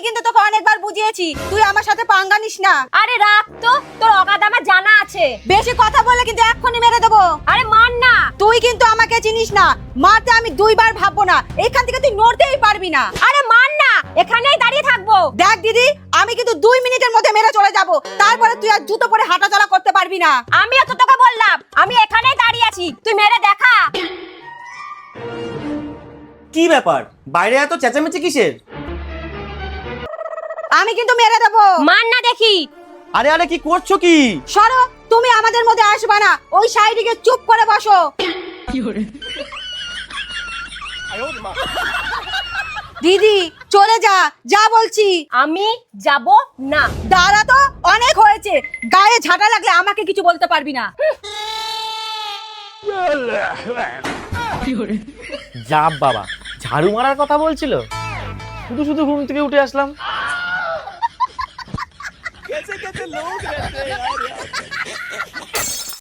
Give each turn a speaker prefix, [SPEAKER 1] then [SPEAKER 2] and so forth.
[SPEAKER 1] কিন্তু তোকে অনেকবার বুঝিয়েছি, তুই আমার সাথে পাঙ্গা নিস না।
[SPEAKER 2] আরে রাখ তো, তোর অগাধ আমার জানা আছে।
[SPEAKER 1] বেশি কথা বললে কিন্তু এক্ষুনি মেরে দেবো।
[SPEAKER 2] আরে মার না।
[SPEAKER 1] তুই কিন্তু আমাকে চিনিস না, মারতে আমি দুইবার ভাববো না, এখান থেকে তুই নড়তেই পারবি না।
[SPEAKER 2] আরে মার না, এখানেই দাঁড়িয়ে থাকবো।
[SPEAKER 1] দেখ দিদি, আমি কিন্তু 2 মিনিটের মধ্যে মেরে চলে যাব, তারপরে তুই আর জুতো পরে হাঁটাচলা করতে পারবি না।
[SPEAKER 2] আমিও তো তোকে বললাম, আমি এখানেই দাঁড়িয়ে আছি, তুই মেরে দেখা।
[SPEAKER 3] কি ব্যাপার, বাইরে এত চেঁচামেচি কিসের?
[SPEAKER 1] আমি কিন্তু মেরে দেবো।
[SPEAKER 2] মার না দেখি।
[SPEAKER 3] আরে আরে কি করছো কি?
[SPEAKER 1] সরো, তুমি আমাদের মধ্যে আসবে না, ওই সাইডে চুপ করে বসো। দিদি চলে যা, যা বলছি।
[SPEAKER 2] আমি যাব না।
[SPEAKER 1] দাঁড়া তো, অনেক হয়েছে, গায়ে ঝাঁটা লাগলে আমাকে কিছু বলতে পারবি না।
[SPEAKER 3] যা বাবা, ঝাড়ু মারার কথা বলছিল, শুধু শুধু ঘুম থেকে উঠে আসলাম।